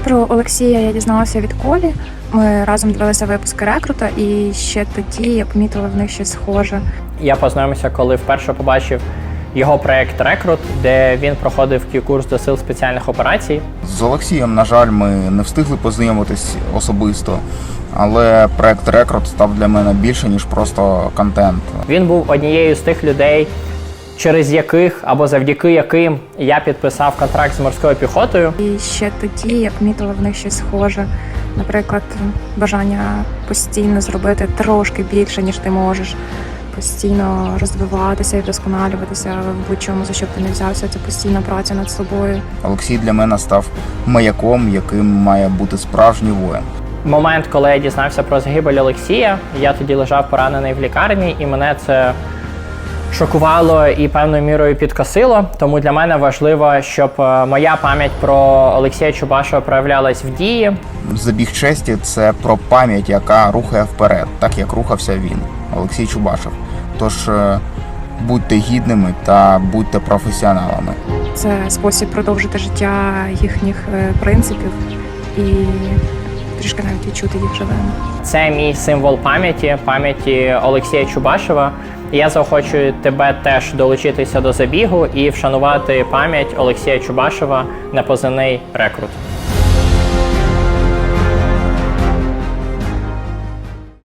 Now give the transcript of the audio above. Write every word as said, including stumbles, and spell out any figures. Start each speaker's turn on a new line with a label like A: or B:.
A: Про Олексія я дізналася від Колі. Ми разом дивилися випуски «Рекрута», і ще тоді я помітила в них щось схоже.
B: Я познайомився, коли вперше побачив його проєкт «Рекрут», де він проходив курс до сил спеціальних операцій.
C: З Олексієм, на жаль, ми не встигли познайомитись особисто, але проєкт «Рекрут» став для мене більше, ніж просто контент.
B: Він був однією з тих людей, через яких або завдяки яким я підписав контракт з морською піхотою.
A: І ще тоді я помітила в них щось схоже. Наприклад, бажання постійно зробити трошки більше, ніж ти можеш. Постійно розвиватися і вдосконалюватися в будь-чому, за що б ти не взявся. Це постійна праця над собою.
C: Олексій для мене став маяком, яким має бути справжній воїн.
B: Момент, коли я дізнався про загибель Олексія, я тоді лежав поранений в лікарні, і мене це шокувало і певною мірою підкосило. Тому для мене важливо, щоб моя пам'ять про Олексія Чубашева проявлялась в дії.
C: Забіг честі – це про пам'ять, яка рухає вперед, так як рухався він, Олексій Чубашев. Тож будьте гідними та будьте професіоналами.
A: Це спосіб продовжити життя їхніх принципів і трішки навіть відчути їх живими.
B: Це мій символ пам'яті, пам'яті Олексія Чубашева. І я заохочую тебе теж долучитися до забігу і вшанувати пам'ять Олексія Чубашева на позивний «Рекрут».